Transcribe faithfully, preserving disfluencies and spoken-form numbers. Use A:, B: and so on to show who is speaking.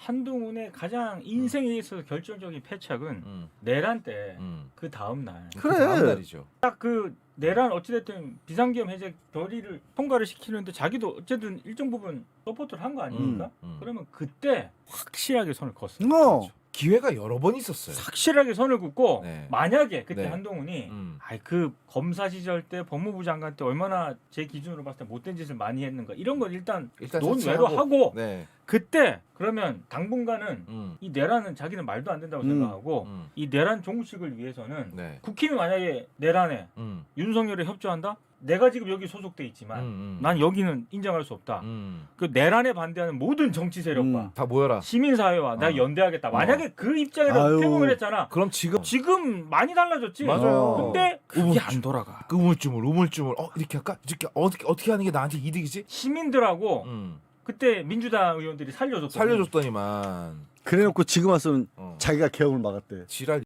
A: 한동훈의 가장 인생에 있어서 결정적인 패착은
B: 음.
A: 내란 때 그
B: 음.
A: 다음 날.
C: 그래.
B: 그 다음 날이죠.
A: 딱 그 내란 어찌됐든 비상계엄 해제 결의를 통과를 시키는데 자기도 어쨌든 일정 부분 서포트를 한 거 아닙니까?
B: 음, 음.
A: 그러면 그때 확실하게 선을 긋어.
C: 어.
B: 기회가 여러 번 있었어요.
A: 확실하게 선을 긋고
B: 네.
A: 만약에 그때
B: 네.
A: 한동훈이
B: 음.
A: 아이 그 검사 시절 때 법무부 장관 때 얼마나 제 기준으로 봤을 때 못된 짓을 많이 했는가 이런 걸 일단
B: 일단
A: 논외로
B: 자체하고,
A: 하고
B: 네.
A: 그때 그러면 당분간은
B: 음.
A: 이 내란은 자기는 말도 안 된다고
C: 음.
A: 생각하고
B: 음.
A: 이 내란 종식을 위해서는
B: 네.
A: 국힘이 만약에 내란에
B: 음.
A: 윤석열에 협조한다? 내가 지금 여기 소속돼 있지만
B: 음, 음.
A: 난 여기는 인정할 수 없다.
B: 음.
A: 그 내란에 반대하는 모든 정치 세력과
C: 음.
B: 다 모여라.
A: 시민사회와 나
B: 어.
A: 연대하겠다. 만약에 그 입장에서
C: 아유.
A: 태국을 했잖아.
B: 그럼 지금
A: 지금 많이 달라졌지.
B: 맞아요.
A: 근데 그게
B: 우물-
A: 안 돌아가.
B: 그 우물쭈물 우물쭈물 어 이렇게 할까? 이렇게 어떻게 어떻게 하는 게 나한테 이득이지?
A: 시민들하고
B: 음.
A: 그때 민주당 의원들이 살려줬거든.
B: 살려줬더니만
C: 그래놓고 지금 와서는
B: 어.
C: 자기가 계엄을 막았대.
B: 지랄.